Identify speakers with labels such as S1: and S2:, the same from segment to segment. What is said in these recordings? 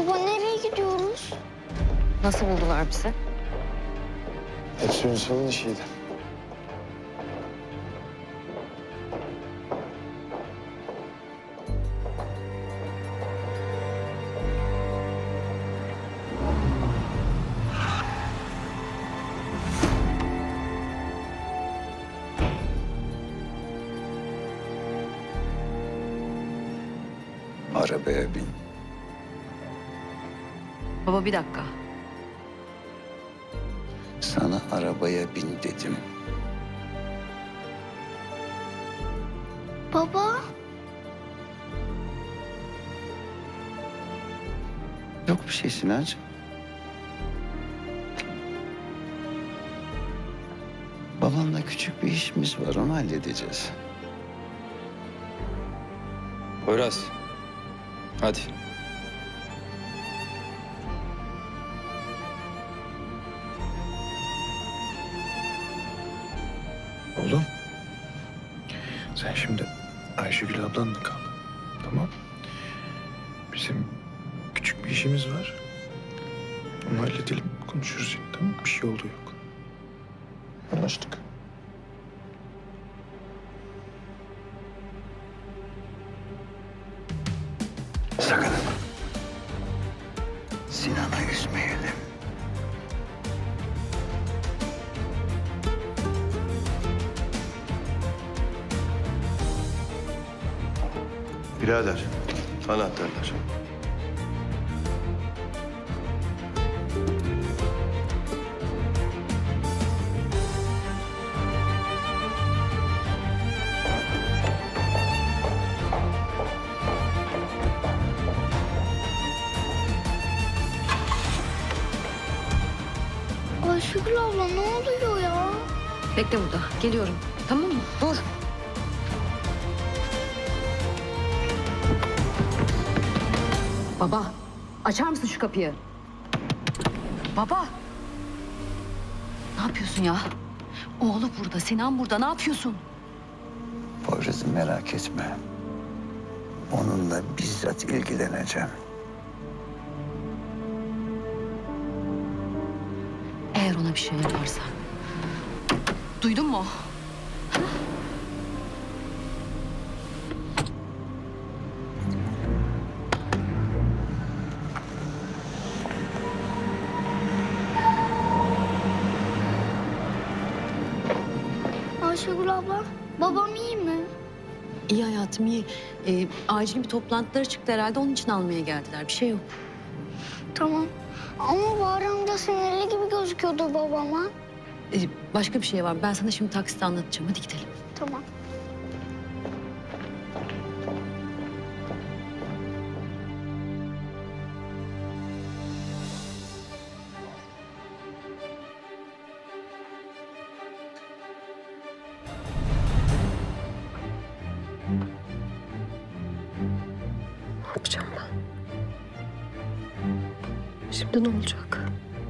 S1: Baba nereye gidiyoruz?
S2: Nasıl buldular bizi?
S3: Hepsi Ünsal'ın işiydi.
S4: Arabaya bin.
S2: Baba bir dakika.
S4: Sana arabaya bin dedim.
S1: Baba.
S4: Yok bir şey Sinancığım. Babanla küçük bir işimiz var, onu halledeceğiz.
S3: Poyraz. Hadi.
S5: Oğlum. Sen şimdi Ayşegül ablanla kal. Tamam. Bizim küçük bir işimiz var. Onu halledelim. Konuşuruz yine, tamam mı? Bir şey oldu yok. Anlaştık.
S4: Sakın. Sinan'ı üzmeyelim.
S5: Birader, anahtarlar.
S1: Ayşegül abla ne oluyor ya?
S2: Bekle burada. Geliyorum. Tamam mı? Dur. Baba, açar mısın şu kapıyı? Baba. Ne yapıyorsun ya? Oğlu burada, Sinan burada. Ne yapıyorsun?
S4: Poyraz'ı merak etme. Onunla bizzat ilgileneceğim.
S2: Eğer ona bir şey yaparsa. Duydun mu?
S1: Ayşegül abla babam iyi mi?
S2: İyi hayatım, iyi. Acil bir toplantıları çıktı herhalde. Onun için almaya geldiler. Bir şey yok.
S1: Tamam. Ama Bahri amca sinirli gibi gözüküyordu babama.
S2: Başka bir şey var. Ben sana şimdi takside anlatacağım. Hadi gidelim.
S1: Tamam.
S6: Ne yapacağım ben? Şimdi ne olacak?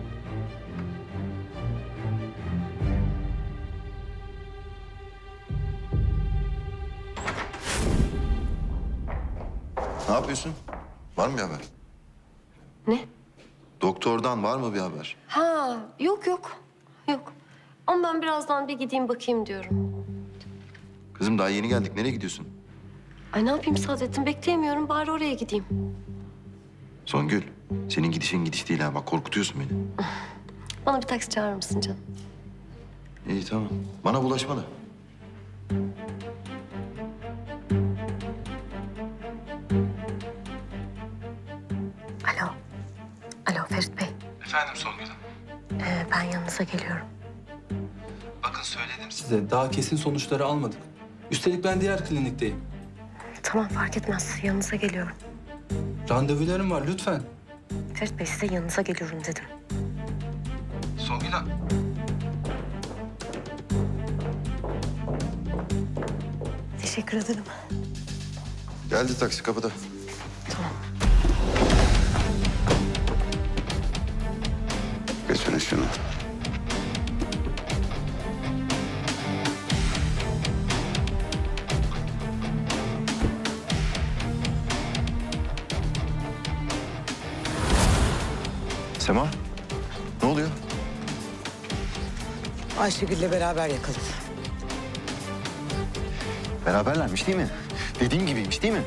S7: Ne yapıyorsun? Var mı bir haber?
S6: Ne?
S7: Doktordan var mı bir haber?
S6: Ha, yok yok. Yok. Ama ben birazdan bir gideyim bakayım diyorum.
S7: Kızım daha yeni geldik. Nereye gidiyorsun?
S6: Ay ne yapayım Saadettin? Bekleyemiyorum. Bari oraya gideyim.
S7: Songül, senin gidişin gidiş değil ha. Bak korkutuyorsun beni.
S6: Bana bir taksi çağırır mısın canım?
S7: İyi tamam. Bana bulaşma da.
S6: Alo. Alo Ferit Bey.
S8: Efendim Songül Hanım.
S6: Ben yanınıza geliyorum.
S8: Bakın söyledim size. Daha kesin sonuçları almadık. Üstelik ben diğer klinikteyim.
S6: Tamam fark etmez. Yanınıza geliyorum.
S8: Randevularım var lütfen.
S6: Ferit Bey size yanınıza geliyorum dedim.
S8: Songül Hanım.
S6: Teşekkür ederim.
S7: Geldi taksi kapıda.
S6: Tamam.
S4: Götürün şunu.
S7: Sema, ne oluyor?
S9: Ayşegül'le beraber yakaladı.
S7: Beraberlermiş değil mi? Dediğim gibiymiş değil mi?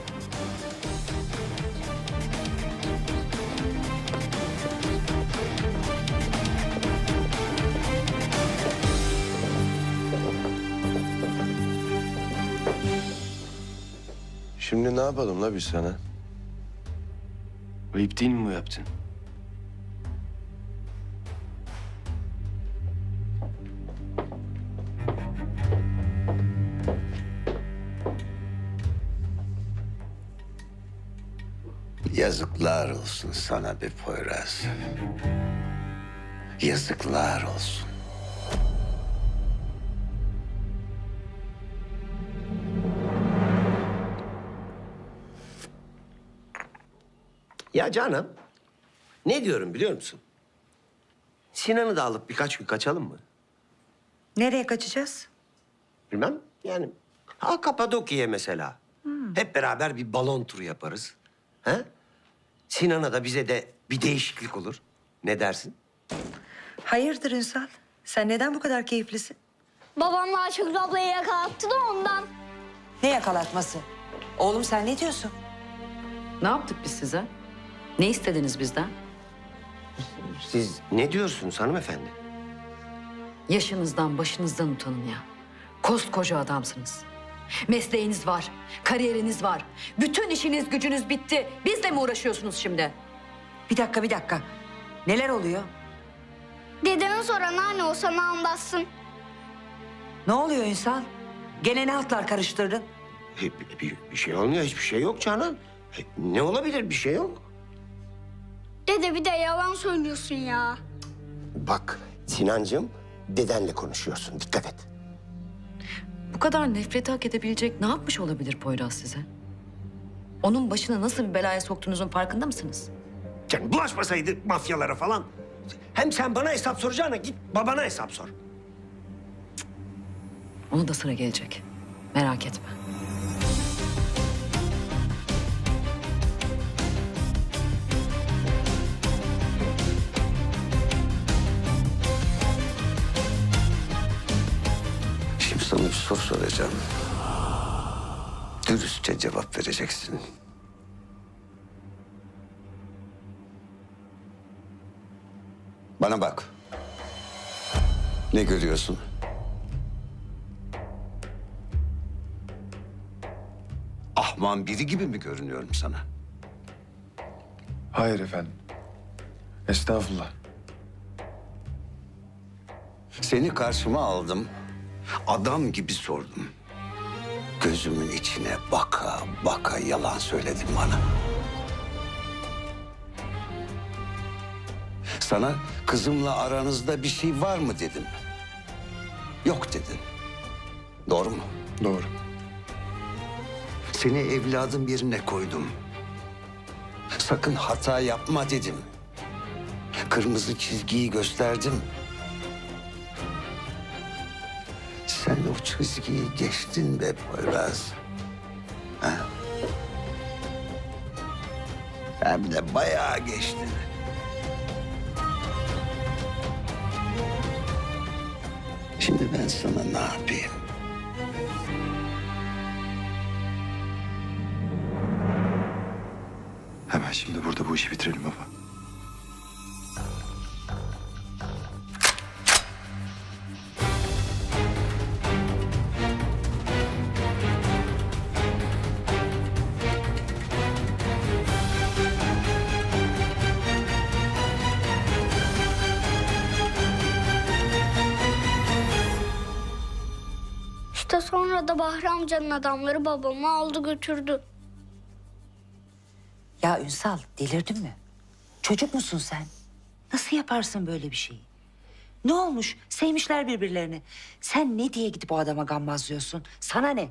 S3: Şimdi ne yapalım la biz sana? Ayıp değil mi bu yaptın?
S4: Yazıklar olsun sana be Poyraz. Yazıklar olsun.
S10: Ya canım, ne diyorum biliyor musun? Sinan'ı da alıp birkaç gün kaçalım mı?
S9: Nereye kaçacağız?
S10: Bilmem, yani Kapadokya'ya mesela. Hep beraber bir balon turu yaparız. He? Sinan'a da bize de bir değişiklik olur. Ne dersin?
S9: Hayırdır Ünsal? Sen neden bu kadar keyiflisin?
S1: Babamla Ayşegül ablayı yakalattı da ondan.
S9: Ne yakalatması? Oğlum sen ne diyorsun?
S2: Ne yaptık biz size? Ne istediniz bizden?
S10: Siz ne diyorsunuz hanımefendi?
S2: Yaşınızdan, başınızdan utanın ya. Koskoca adamsınız. Mesleğiniz var, kariyeriniz var. Bütün işiniz, gücünüz bitti. Bizle mi uğraşıyorsunuz şimdi?
S9: Bir dakika. Neler oluyor?
S1: Dedeme sor anneanne o sana anlatsın.
S9: Ne oluyor Ünsal? Gene ne altlar karıştırdın?
S10: Bir şey olmuyor, hiçbir şey yok canım. Ne olabilir, bir şey yok.
S1: Dede bir de yalan söylüyorsun ya.
S10: Bak Sinancığım, dedenle konuşuyorsun, dikkat et.
S2: Bu kadar nefreti hak edebilecek ne yapmış olabilir Poyraz size? Onun başına nasıl bir belaya soktuğunuzun farkında mısınız?
S10: Yani bulaşmasaydı mafyalara falan. Hem sen bana hesap soracağına git babana hesap sor.
S2: Ona da sıra gelecek. Merak etme.
S4: Şimdi sana bir soru soracağım. Dürüstçe cevap vereceksin. Bana bak. Ne görüyorsun? Ahman biri gibi mi görünüyorum sana?
S5: Hayır efendim. Estağfurullah.
S4: Seni karşıma aldım. Adam gibi sordum. Gözümün içine baka baka yalan söyledin bana. Sana kızımla aranızda bir şey var mı dedim. Yok dedin. Doğru mu?
S5: Doğru.
S4: Seni evladım yerine koydum. Sakın hata yapma dedim. Kırmızı çizgiyi gösterdim. Sen o çizgiyi geçtin be Poyraz. Ha? Hem de bayağı geçtin. Şimdi ben sana ne yapayım?
S7: Hemen şimdi burada bu işi bitirelim baba.
S1: İşte sonra da Bahri amcanın adamları babamı aldı götürdü.
S9: Ya Ünsal delirdin mi? Çocuk musun sen? Nasıl yaparsın böyle bir şeyi? Ne olmuş? Sevmişler birbirlerini. Sen ne diye gidip o adama gammazlıyorsun? Sana ne?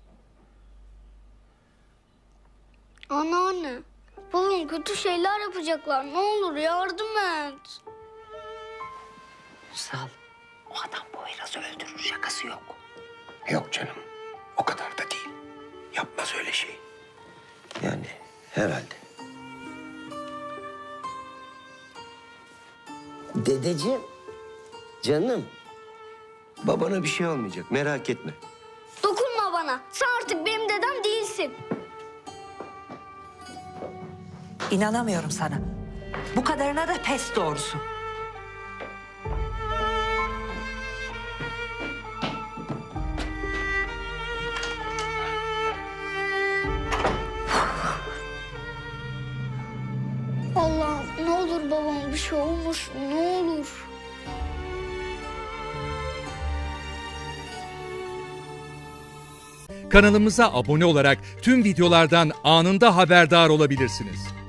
S1: Anneanne, babam kötü şeyler yapacaklar. Ne olur yardım et.
S9: Ünsal, o adam Poyraz'ı öldürür. Şakası yok.
S10: Yok canım, o kadar da değil. Yapmaz öyle şey. Yani herhalde. Dedeciğim, canım. Babana bir şey olmayacak, merak etme.
S1: Dokunma bana. Sen artık benim dedem değilsin.
S9: İnanamıyorum sana. Bu kadarına da pes doğrusu.
S1: Allah'ım ne olur babama bir şey olmasın ne olur.
S11: Kanalımıza abone olarak tüm videolardan anında haberdar olabilirsiniz.